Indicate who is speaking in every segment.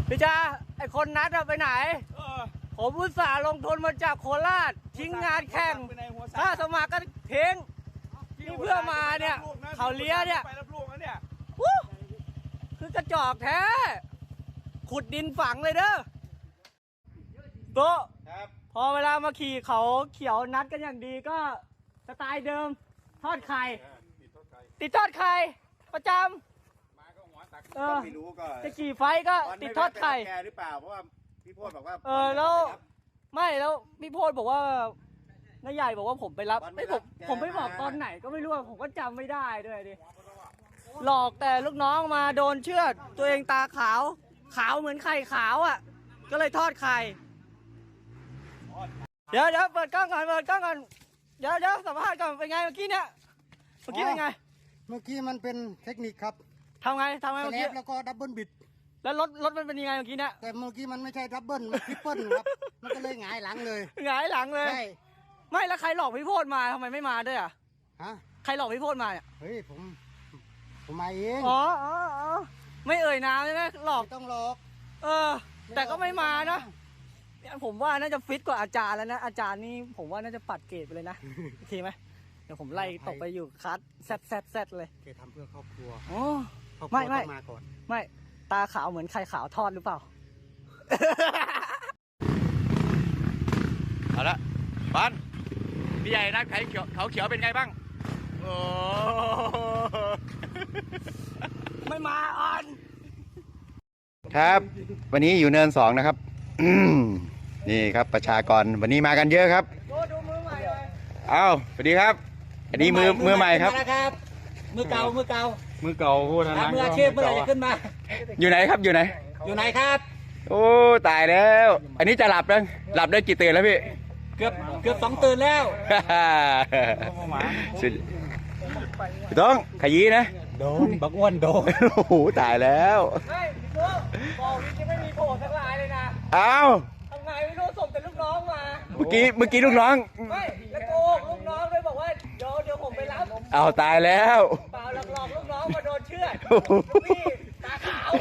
Speaker 1: พี่จ้าไอคนนัดไปไหนผมอุตส่าห์ลงทุนมาจากโคราชทิ้งงานแข่งถ้าสมัครก็ทิ้งนี่เพื่อมาเนี่ยเขาเลี้ยเนี่ยคือกระจอกแท้ขุดดินฝังเลยเด้อโตพอเวลามาขี่เขาเขียวนัดกันอย่างดีก็สไตล์เดิมทอดไข่ติดทอดไข่ประจำ
Speaker 2: ไม่รู้ก็
Speaker 1: จะกี่ไฟก็ติดทอดไข่
Speaker 2: แกหรือเปล่าเพราะว่าพี่โพดบอกว่า
Speaker 1: แล้วไม่แล้วพี่โพดบอกว่าน้าใหญ่บอกว่าผมไปรับผมไปบอกตอนไหนก็ไม่รู้ผมก็จำไม่ได้ด้วยดิหลอกแต่ลูกน้องมาโดนเชือดตัวเองตาขาวเหมือนไข่ขาวอ่ะก็เลยทอดไข่เดี๋ยวเปิดกล้องก่อนเดี๋ยวสัมภาษณ์ก่อนเป็นไงเมื่อกี้เนี่ยเป็นไง
Speaker 3: เมื่อกี้มันเป็นเทคนิคครับ
Speaker 1: ทำไงเมื่อกี้
Speaker 3: แล้วก็ดับเบิลบิด
Speaker 1: แล้วรถมันเป็นยังไงเมื่อกี้เนี่ย
Speaker 3: แต่เมื่อกี้มันไม่ใช่ดับเบิลมันทริปเปิลครับมันก็เลยหงายหลังเลยใช่
Speaker 1: ไม่แล้วใครหลอกพี่โพดมาทำไมไม่มาด้วยอ่ะ
Speaker 3: ฮะ
Speaker 1: ใครหลอกพี่โพดมาเนี่ย
Speaker 3: เฮ้ยผมมาเอง
Speaker 1: อ๋อไม่เอ่ยนามใช่ไหมหลอก
Speaker 3: ต้องหลอก
Speaker 1: แต่ก็ไม่มานะผมว่าน่าจะฟิตกว่าอาจารย์แล้วนะอาจารย์นี่ผมว่าน่าจะปัดเกรดไปเลยนะโอเคไหมเดี๋ยวผมไล่ตกไปอยู่คัสแซดเลย
Speaker 3: แกทำเพื่อครอบครัว
Speaker 1: ไม่
Speaker 3: มาก่อน
Speaker 1: ไม่ตาขาวเหมือนไข่ขาวทอดหรือเปล่า
Speaker 2: เอาละปันพี่ใหญ่นัดเขาเขียวเป็นไงบ้างโอ้
Speaker 1: ไม่มาอ่อน
Speaker 2: ครับวันนี้อยู่เนิน2นะครับนี่ครับประชากรวันนี้มากันเยอะครับ
Speaker 1: ดูมือใหม่เลย
Speaker 2: สวัสดีครับอันนี้มือใหม่ครับ
Speaker 1: มือเก่า
Speaker 2: พูดทาง
Speaker 1: มืออาชีพเมื่อไหร่จะขึ้นมา
Speaker 2: อยู่ไหนครับอยู่ไหน
Speaker 1: ครับ
Speaker 2: โอ้ตายแล้วอันนี้จะหลับได้กี่ตื่นแล้วพี่
Speaker 1: เกือบ2 ตื่นแล้ว
Speaker 2: พี่ต้องขยี้นะ
Speaker 3: โดนบักอ้วนโดน
Speaker 2: โอ้โหตายแล้ว
Speaker 1: บอกพี่ไม่มีโผล่ทั้งลายเลยนะทำไงไม่รู้ส่งแต่ลูกน้องมา
Speaker 2: เมื่อกี้ลูกน้อง
Speaker 1: ไม่แล้วโกหกลูกน้องเลยบอกว่าเดี๋ยวผมไปรับ
Speaker 2: ตายแล้ว
Speaker 1: เปล่าหลอกลูกน้องมาโดนเชือดพี่ตาขาว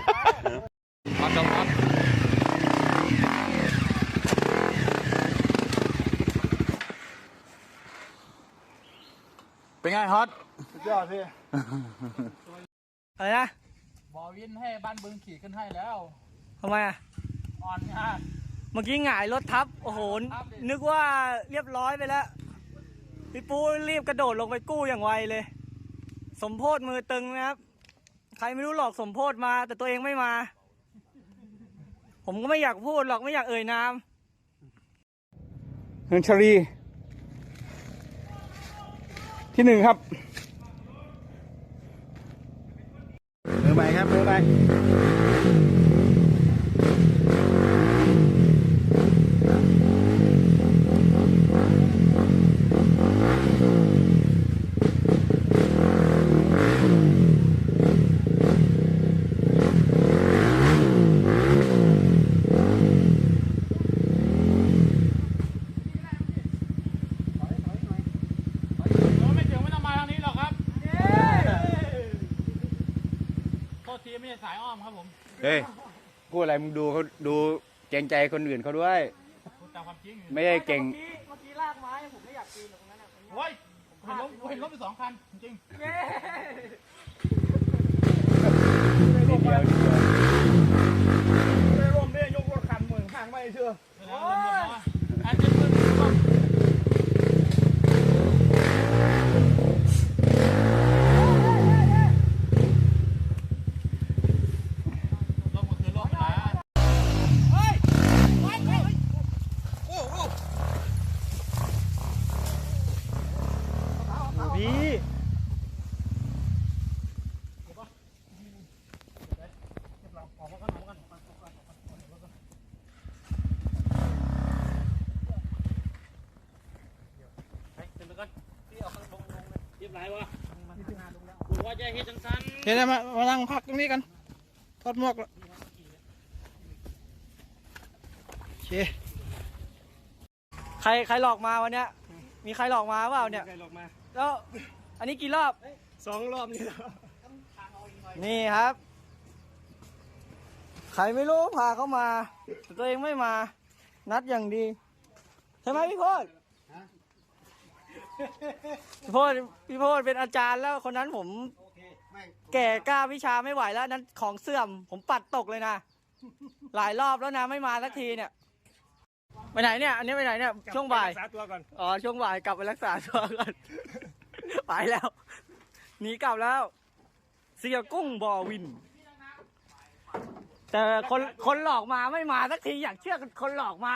Speaker 2: เป็นไงฮอต
Speaker 3: สุดยอดพี่
Speaker 1: อะไรนะ
Speaker 4: บอวินให้บ้านบึงขี่ขึ้นให้แล้ว
Speaker 1: ทำไมอ่ะ
Speaker 4: อ่อนงาน
Speaker 1: เมื่อกี้หงายรถทับโอ้โหนึกว่าเรียบร้อยไปแล้วพี่ปูรีบกระโดดลงไปกู้อย่างไวเลยสมโพธมือตึงนะครับใครไม่รู้หลอกสมโพธมาแต่ตัวเองไม่มาผมก็ไม่อยากพูดหรอกไม่อยากเอ่ยนาม
Speaker 2: เฮนชารีที่1ครับมือใหม่ครับมือใหม่
Speaker 4: ไม่ใช่สายอ้อมครับผม
Speaker 2: เฮ้ยพูดอะไรมึงดูเขาดูเกรงใจคนอื่นเขาด้วย
Speaker 4: พูดตามความจริง
Speaker 2: ไม่ได้เก่ง
Speaker 1: เมื่อกี้ลากไม้ผมไม่อยากปีนตรงนั้น
Speaker 4: โอ้ยเห็นรถไป2 คันจริง
Speaker 2: เดียว
Speaker 3: รวมเนี่ยยกรถคันเหมือนข้างไม่เชื่อ
Speaker 4: ว่าจะเฮ็ดจังซั่น
Speaker 3: เดี๋ยวมานั่งพักตรงนี้กันถอดหมวกแล้วโอเค
Speaker 1: ใครหลอกมาวันเนี้ยมีใครหลอกมาเปล่าเนี่ยแล้วอันนี้กี่รอบ
Speaker 3: 2 รอบนี่
Speaker 1: นี่ครับใครไม่รู้พาเขามาแต่ตัวเองไม่มา นัดอย่างดีใช่ไหมพี่โพดพี่โพดเป็นอาจารย์แล้วคนนั้นผมแก่กล้าวิชาไม่ไหวแล้วนั้นของเสื่อมผมปัดตกเลยนะหลายรอบแล้วนะไม่มาสักทีเนี่ยไปไหนเนี่ยอันนี้ไปไหนเนี่ยช่วงบ่าย
Speaker 4: รักษาตัวก่อน
Speaker 1: อ๋อช่วงบ่ายกลับไปรักษาตัวก่อนไปแล้วหนีกลับแล้ว เสียกุ้งบ่อวิน แต่คนหลอกมาไม่มาสักทีอยากเชื่อคนหลอกมา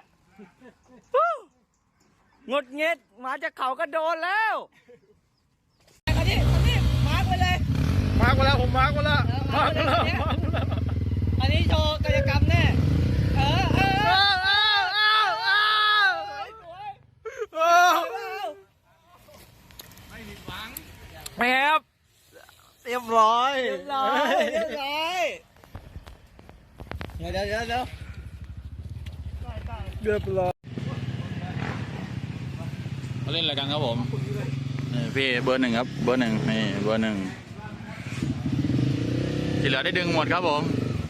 Speaker 1: หงดเงียดมาจากเขาก็โดนแล้วอันนี้มาร์กไปเลย
Speaker 4: มาร์กไว้แล้วผมมาร์กไว้แล้ว
Speaker 1: มาร์กไปแล้วอันนี้โชว์กายกรรมแน่แอบเรียบร้อยเดี๋ยวเรียบร้อย
Speaker 4: เขาเล่นอะไรกันครับผมนี่พี่เบอร์หนึ่งครับเบอร์หนึ่งนี่เบอร์หนึ่งที่เหลือได้ดึงหมดครับผม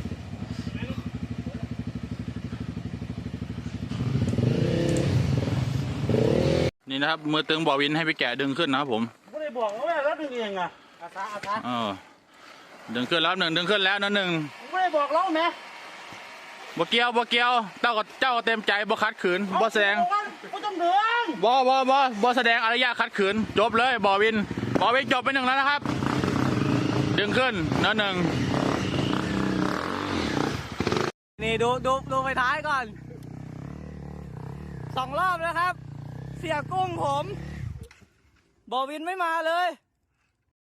Speaker 4: นี่นะครับมือตึงบ่อวินให้พี่แก่ดึงขึ้นนะครับผม
Speaker 3: ไม่ได้บอกว่าแล้วดึงเองอ่ะอาสา
Speaker 4: ดึงขึ้นแล้วหนึ่งดึงขึ้นแล้วนะหนึ่ง
Speaker 3: ไม่ได้บอกเราไหม
Speaker 4: บ่เกี่ยวเจ้าก็เต็มใจบ่คัดขืนบ่แสดง
Speaker 3: ไม่ต้องเดือง
Speaker 4: บ่แสดงอารยะขัดขืนจบเลยบ่อวินจบไปหนึ่งแล้วนะครับ ดึงขึ้นนะหนึ่ง
Speaker 1: นี่ดูไปท้ายก่อน2 รอบแล้วครับ เสียกุ้งผมบอวินไม่มาเลย